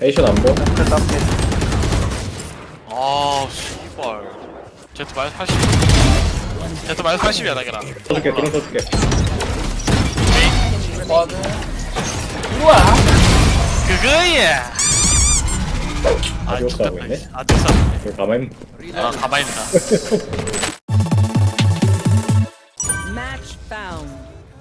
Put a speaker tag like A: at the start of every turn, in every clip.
A: 에이션 안 보?
B: 아 씨발 제트 마이너스 80 제트 마이너스 80이야 나게나.
A: 써줄게 드론 써줄게.
C: 와드. 우와.
B: 그거야.
A: 아디오스 하고 있네?
B: 아디오스.
A: 이거 가만히
B: 아 가만히 있다.
D: Match found.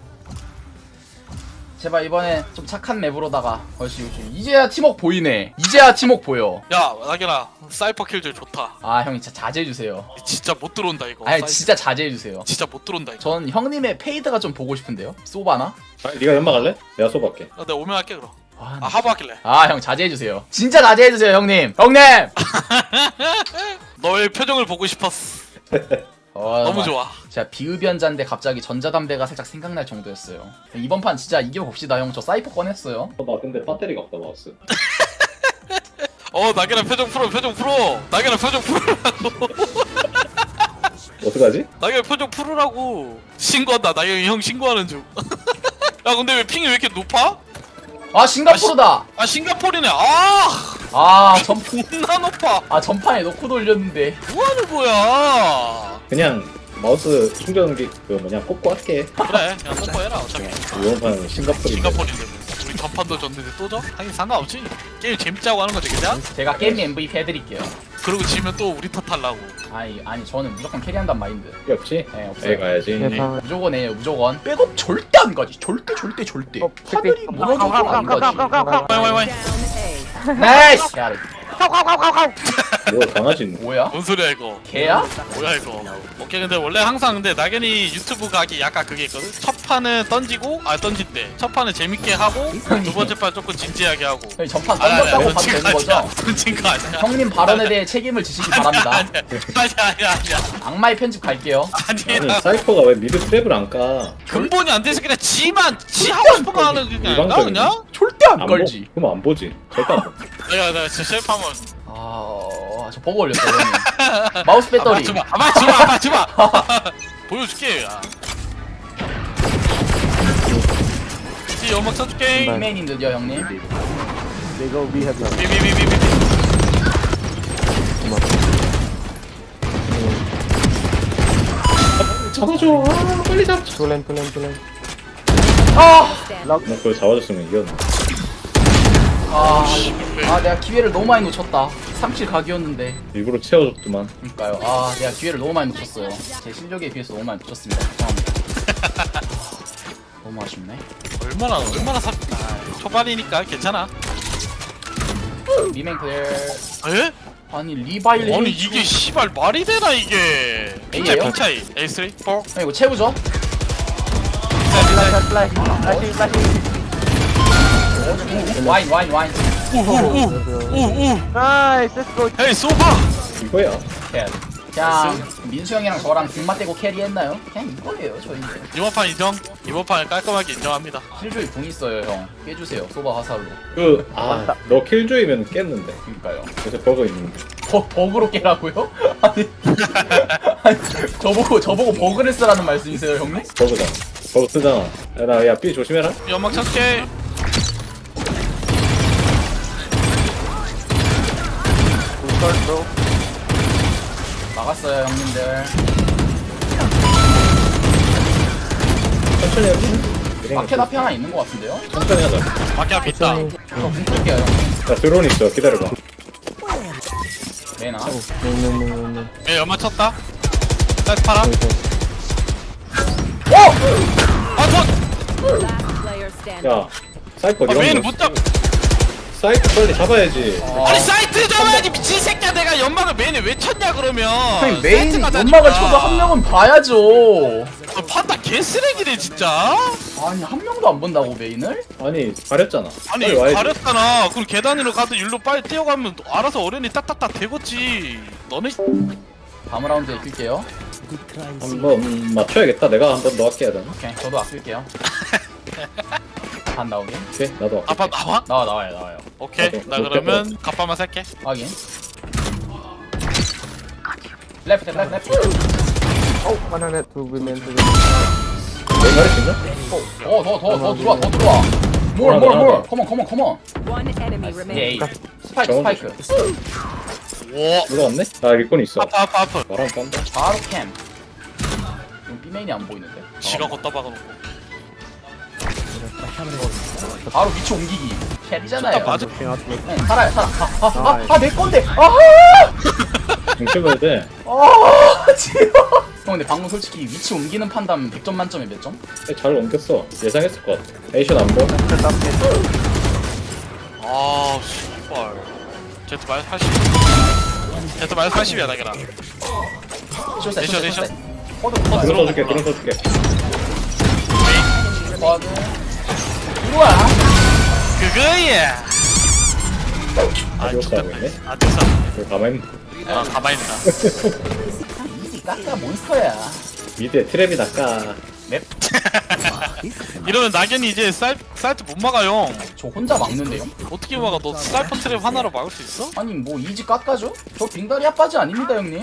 C: 제발 이번에 좀 착한 맵으로다가 벌써 이제야 팀워크 보이네. 이제야 팀워크 보여.
B: 야 나게나 사이퍼 킬줄 좋다.
C: 아 형이 진짜 자제해주세요.
B: 진짜 못 들어온다 이거.
C: 아니 진짜 자제해주세요.
B: 진짜 못 들어온다 이거.
C: 전 형님의 페이드가 좀 보고 싶은데요. 쏘바나?
A: 아, 네가 연막할래? 내가 쏘볼게.
B: 내가 오면 할게 그럼.
C: 아,
B: 아 하부 하길래.
C: 형 자제해주세요. 진짜 자제해주세요 형님. 형님.
B: 너의 표정을 보고 싶었어. 너무 좋아.
C: 제가 비흡연자인데 갑자기 전자담배가 살짝 생각날 정도였어요. 이번 판 진짜 이겨봅시다 형. 저 사이퍼 꺼냈어요.
A: 나 근데 배터리가 없다 마우스.
B: 나게나 표정 풀어 표정 풀어. 나게나 표정 풀으라고.
A: 어떡하지?
B: 나게나 표정 풀으라고. 신고한다. 나게나 형 신고하는 중. 야 근데 왜 핑이 왜 이렇게 높아?
C: 아 싱가포르다.
B: 아 싱가포르네. 존나 높아.
C: 전판에 놓고 돌렸는데.
B: 뭐하는 거야?
A: 그냥 마우스 충전기 그 뭐냐 꽂고 할게.
B: 그래 그냥 뽀뽀해라 어차피.
A: 이번 판 싱가포르인데.
B: 싱가포르인데 뭐. 우리 전판도 졌는데 또 져? 하긴 상관없지. 게임 재밌자고 하는 거지 그냥?
C: 제가 게임 MVP 해드릴게요.
B: 그러고 지면 또 우리 탓하려고.
C: 아니 저는 무조건 캐리한단 마인드.
A: 필요 없지?
C: 네 없어요.
A: 에 가야지.
C: 무조건 해요 무조건. 백업 절대 안 가지. 절대. 하늘이 무너져도 안 가지.
B: 와이.
D: Down A.
C: 나이스. 개야.
A: 뭐 강아지 있는.
C: 뭐야?
B: 뭔 소리야 이거?
C: 개야?
B: 뭐야 이거? 오케이 근데 원래 항상 근데 낙연이 유튜브 각이 약간 그게 있거든. 첫 판은 던지고 던진대. 첫 판은 재밌게 하고 두 번째 판 조금 진지하게 하고.
C: 형이 전판 던졌다고 봐도 되는 거죠?
B: 던진 거 아니야.
C: 형님 발언에 대해 책임을 지시기 바랍니다.
B: 아니야.
C: 악마의 편집 갈게요.
A: 아니
B: 아니야.
A: 사이퍼가 왜 미드 트랩을 안 까?
B: 근본이 안 돼서 그냥 지 하고 싶은 거 하는 게 아닌가
A: 일방적이네.
B: 그냥?
C: 절대 안
A: 안
C: 걸지.
A: 그럼 안 보지. 절대 안 보.
B: 내가 진짜 셀프하면
C: 저 버거 올렸어요 형님. 마우스 배터리.
B: 맞지마 보여줄게 야. 이 연막 쳐줄게.
C: 맨인 드디어 형님.
B: 비비비비비.
A: 잡아줘. 아, 빨리 잡. 나 그걸 잡아줬으면 이겼네.
C: 내가 기회를 너무 많이 놓쳤다. 3킬 각이었는데.
A: 일부러 채워줬더만.
C: 그러니까요. 내가 기회를 너무 많이 놓쳤어요. 제 실력에 비해서 너무 많이 놓쳤습니다. 죄송합니다. 너무 아쉽네.
B: 얼마나 초반이니까 괜찮아.
C: 리메인 클리어.
B: 에?
C: 아니 리바일.
B: 아니 이게 씨발 말이 되나 이게?
C: A예요?
B: 핑 차이. A3, 4.
C: 이거 채우죠? 와인.
B: 오오오오오. 헤이 소파.
A: 이거야.
C: 그냥 민수 형이랑 저랑 등마 떼고 캐리했나요? 그냥 이거예요 저희.
B: 이번 판 인정. 이번 판 깔끔하게 인정합니다.
C: 킬조이 궁 있어요 형. 깨주세요 소바 화살로.
A: 너 킬조이면 깼는데.
C: 그러니까요.
A: 요새 버그 있는데.
C: 버그로 깨라고요? 아니 저보고 버그를 쓰라는 말씀이세요 형님?
A: 버그잖아. 버그 쓰잖아. 야 B 조심해라.
B: 연막 찾게.
C: 막았어요 형님들.
A: 천천히 해야지.
C: 마켓 앞에 하나 있는 것 같은데요?
A: 천천히 하자.
B: 밖에 앞에 있다.
C: 저궁 끌게요 형.
A: 자 드론 있어. 기다려봐.
C: 메나.
B: 얘 연막 쳤다. 사이트 팔아.
D: Last player standing.
A: 야 사이퍼
B: 메인
A: 이런
B: 못
A: 거.
B: 잡.
A: 사이퍼 빨리 잡아야지.
B: 아니 사이트 잡아야지 미친 새끼야. 내가 연막을 메인에 왜 쳤냐 그러면.
C: 형님 메인
B: 사이트가
C: 연막을
B: 다니까.
C: 쳐도 한 명은 봐야죠.
B: 판다 개쓰레기네 진짜.
C: 아니 한 명도 안 본다고 메인을?
A: 아니 가렸잖아.
B: 아니
A: 빨리 와야지.
B: 가렸잖아. 그럼 계단 위로 가도 일로 빨리 뛰어가면 알아서 어련히 딱딱딱 되겠지. 너네
C: 다음 라운드에 끌게요.
A: 한번 맞춰야겠다. 내가 한번 더 할게 해야 되나?
C: 오케이 저도 아낄게요. 반 나오게.
A: 오케이 나도 할게.
B: 아빠 나와?
C: 나와요.
B: 오케이
A: 나도
B: 나
A: 못
B: 그러면 갑바만 살게.
C: 확인. 레프트.
A: 내가 할수 있나?
C: 더 들어와. 뭘 컴온
D: One enemy
C: 에이
D: remaining.
C: 스파이크
B: 와
A: 누가 왔네? 아 리콘 있어.
B: 아파
A: 말하면 깐다.
C: 바로 캠 이거 B메인이 안 보이는데?
B: 지가 걷다 박아놓고
C: 바로 위치 옮기기 캐리잖아요
B: 딱 맞아
C: 네, 살아요 살아 내 건데
A: 중심해야 돼.
C: 지워 형 근데 방금 솔직히 위치 옮기는 판단 100점 만점에 몇 점?
A: 잘 옮겼어. 예상했을 것 같아. 에이션 안 보여?
B: 아 씨발 제트 마이너스 80 제트 마이너스 80이야 나게라
C: 쇼셋
B: 내셔, 내셔.
C: 커드
B: 커드.
A: 드론 써줄게. 드론 써줄게.
C: 커드 우와
B: 그거야 아
A: 이거
B: 좋겠다
A: 싸우겠네.
B: 아 됐어
A: 이거 가만히 있는.
B: 아 가만히 있다
C: 이지 까까 몬스터야
A: 미드에 트랩이 낚아.
C: 넵
B: 이러면 낙연이 이제 사이트 못 막아요
C: 저 혼자 막는데요?
B: 어떻게 막아 너 사이퍼 트랩 하나로 막을 수 있어?
C: 아니 뭐 이지 깎아줘? 저 빙다리 아빠지 아닙니다 형님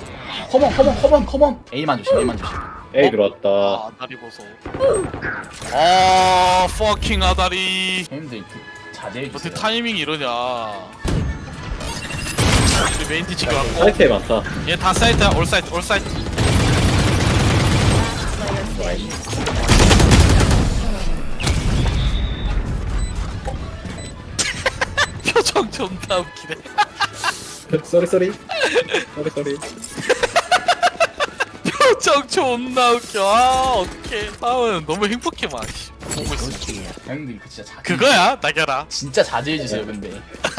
C: 컴온 A만 조심
A: 에이 들어왔다.
B: 아 아다리 보소 아 퍼킹 아다리
C: 형님들 자제해주세요
B: 어떻게 타이밍이 이러냐 우리 메인 티치가 왔고
A: 사이트에 많다.
B: 얘 다 사이트야 올 사이트 표정 존나 웃기네
A: 쏘리.
B: 표정 존나 웃겨 아 어떡해 다음은 너무 행복해 막 씨. 보고 있어
C: 형님들 그 진짜
B: 그거야 나겨라
C: 진짜 자제해주세요 근데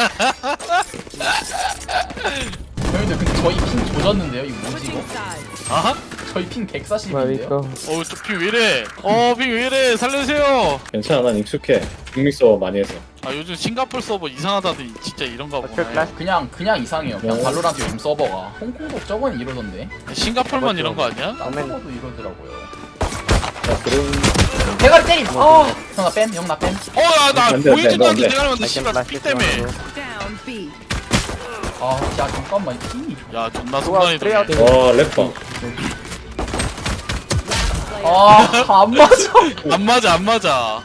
C: 형님들 근데 저희 핑 조졌는데요 이거 뭐지 이거?
B: 아하?
C: 저희 핑 140인데요?
B: 어우 저핑 왜이래 핑 왜이래 살려주세요
A: 괜찮아. 난 익숙해. 빅믹서 많이 해서.
B: 아 요즘 싱가폴 서버 이상하다더니 진짜 이런가 보네
C: 그냥 이상해요 그냥 발로란트 요즘 서버가 홍콩도 저번에 이러던데
B: 싱가폴만 이런 거 아니야?
C: 딴 서버도 이러더라고요
A: 자 드론.
C: 대가리 때림! 형 나 뺨
B: 어야나
A: 안 돼,
B: 보이지도
A: 안
B: 않는데
A: 돼.
B: 내가 하는데 씨발 피 때문에
D: Down B.
C: 야 잠깐만 이 핑이
B: 야 존나 순간이동해
A: 와 랩방.
C: 안 맞아
B: 안 맞아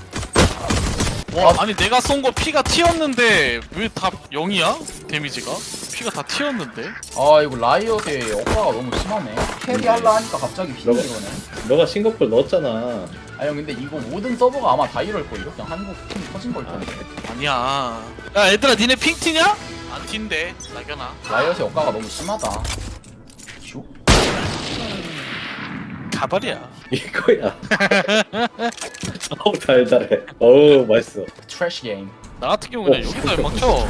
B: 와 아니 내가 쏜 거 피가 튀었는데 왜 다 0이야? 데미지가? 피가 다 튀었는데?
C: 이거 라이엇의 억가가 너무 심하네 캐리 할라 하니까 갑자기 핑이 이러네
A: 너가 싱가폴 넣었잖아.
C: 형 근데 이거 모든 서버가 아마 다 이럴걸요? 그냥 한국 핑 터진 걸 텐데
B: 아니야 야 얘들아 니네 핑 튀냐? 안 튄대 나겨나
C: 라이엇의 억가가 너무 심하다 슉?
B: 가발이야
A: 이거야. 어우 달달해. 어우 맛있어.
C: 트래쉬 게임
B: 나 같은 경우는 여기다 막쳐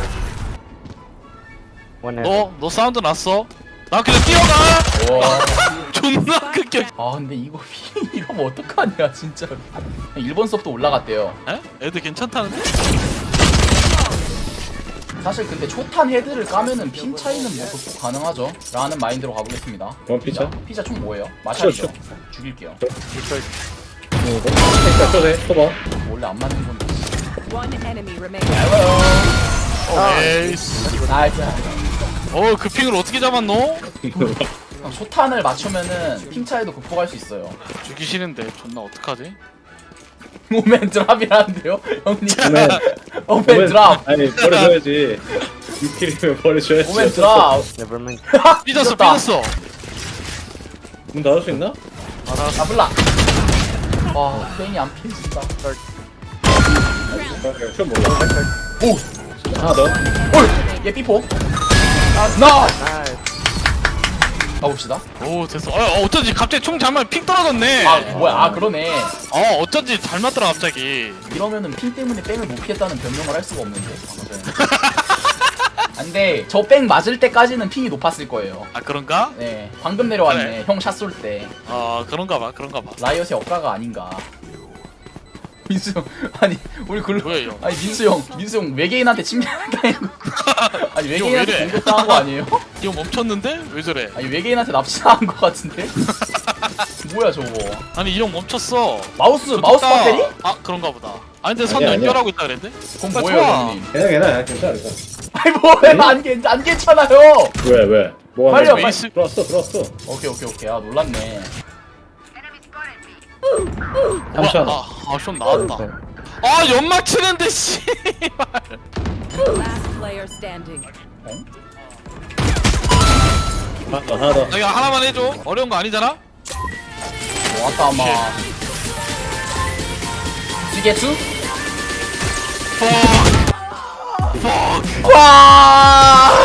B: 너 사운드 났어? 나 그냥 뛰어가
C: 와.
B: 존나 극혐
C: 근데 이거 핑 이러면 어떡하냐 진짜로 일본 수업도 올라갔대요
B: 에? 애들 괜찮다는데?
C: 사실 근데 초탄 헤드를 까면은 핀 차이는 뭐 극복 가능하죠 라는 마인드로 가보겠습니다
A: 그럼 피자?
C: 피자 총 뭐예요? 마샬이죠?
A: 쇼.
C: 죽일게요
A: 자 쳐세. 쳐봐.
C: 원래 안 맞는 건데
D: One enemy remaining.
B: 에이씨
C: 나이스
B: 그 핑을 어떻게 잡았노?
C: 형, 초탄을 맞추면은 핑 차이도 극복할 수 있어요
B: 죽기 싫은데 존나 어떡하지?
C: 오멘 드랍이라는데요? 형님
A: 오멘.
C: 오멘 드랍
A: 아니 버려줘야지. 6킬이면 버려줘야지.
C: 오멘 드랍
B: 삐졌어
C: 삐졌다.
B: 삐졌어
A: 문 닫을 수 있나?
C: 잡을라 페인이 안 피해진다
A: 그냥 처음 몰라.
C: 오!
A: 하나 더.
C: 얘 삐포 나! 가봅시다
B: 오 됐어 어쩐지 갑자기 총 잡으면 핑 떨어졌네
C: 뭐야 그러네
B: 어쩐지 잘 맞더라 갑자기
C: 이러면은 핑 때문에 뺑을 못 피했다는 변명을 할 수가 없는데 근데 저 뺑 맞을 때까지는 핑이 높았을 거예요
B: 아 그런가?
C: 네 방금 내려왔네
B: 그래.
C: 형 샷 쏠 때
B: 그런가 봐
C: 라이엇의 억가가 아닌가 민수 형 아니 우리
B: 뭐예요?
C: 아니 민수 형 외계인한테 침략당한 거 아니
B: 이거
C: 외계인한테
B: 왜 이래?
C: 공격당한 거 아니에요?
B: 이거 멈췄는데? 왜 저래?
C: 아니 외계인한테 납치당한 거 같은데? 뭐야 저거
B: 아니 이 형 멈췄어
C: 마우스
B: 좋다.
C: 배터리?
B: 그런가 보다 아니 근데 선
A: 아니야,
B: 연결하고 있다 그랬는데?
C: 그럼
B: 빨리
C: 뭐예요
B: 쳐와.
C: 형님
A: 괜찮아 괜찮아.
C: 아니 뭐야 안 괜찮아요
A: 왜? 뭐가
C: 빨리요,
A: 안 돼?
B: 빨리.
A: 들어왔어.
C: 오케이 놀랐네
A: 삼촌.
B: 좀 나왔다 아 연막 치는데 씨.
D: Last player standing.
A: 하나 더.
B: 나 이거 하나만 해줘. 어려운 거 아니잖아?
C: 와타마 시게추? 와